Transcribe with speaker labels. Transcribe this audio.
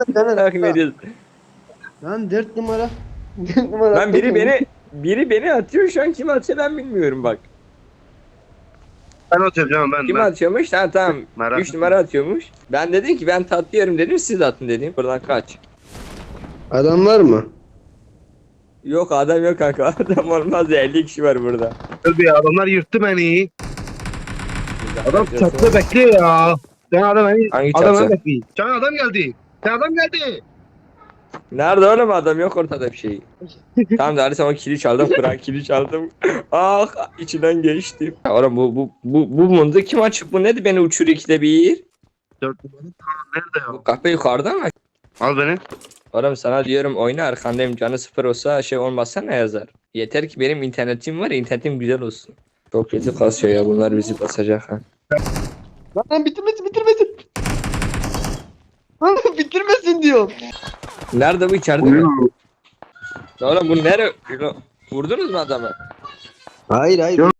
Speaker 1: Takip ediyoruz.
Speaker 2: Lan 4 numara. 4 numara.
Speaker 1: Lan biri beni atıyor şu an, kim atıyor ben bilmiyorum bak.
Speaker 3: Ben atıyorum canım
Speaker 1: Kim
Speaker 3: ben.
Speaker 1: atıyormuş? Tamam.
Speaker 3: Merak
Speaker 1: 3
Speaker 3: etme.
Speaker 1: numara atıyormuş. Ben dedim ki ben tatlı yerim dedim, siz atın dedim. Buradan kaç.
Speaker 2: Adam var mı?
Speaker 1: Yok adam yok kanka. Adam olmaz ya, 50 kişi var burada.
Speaker 3: Tabii adamlar yırttı beni. Adam çatıda bekliyor ya. Sen adam beni,
Speaker 1: Hangi
Speaker 3: adam
Speaker 1: çatı?
Speaker 3: beni bekliyor. Sen adam geldi. Sen adam geldi.
Speaker 1: Nerede oğlum adam, yok ortada bir şey. Tamam da Halis, ama kili çaldım. Kur'an kili çaldım. Ah, içinden geçtim. Ya oğlum bu mundu kim açık, bu nedir beni uçuruyor ikide bir.
Speaker 3: 4 numara nerede ya?
Speaker 1: Bu kahpe yukarıda mı?
Speaker 3: Al beni.
Speaker 1: Oğlum sana diyorum oyna, arkandayım, canı sıfır olsa şey olmazsa ne yazar? Yeter ki benim internetim var, internetim güzel olsun. Çok kötü kasıyor ya, bunlar bizi basacak ha.
Speaker 2: Lan bitirmesin. Lan bitirmesin diyor.
Speaker 1: Nerede bu, içeride mi? Oğlum bu nere? Vurdunuz mu adamı?
Speaker 2: Hayır.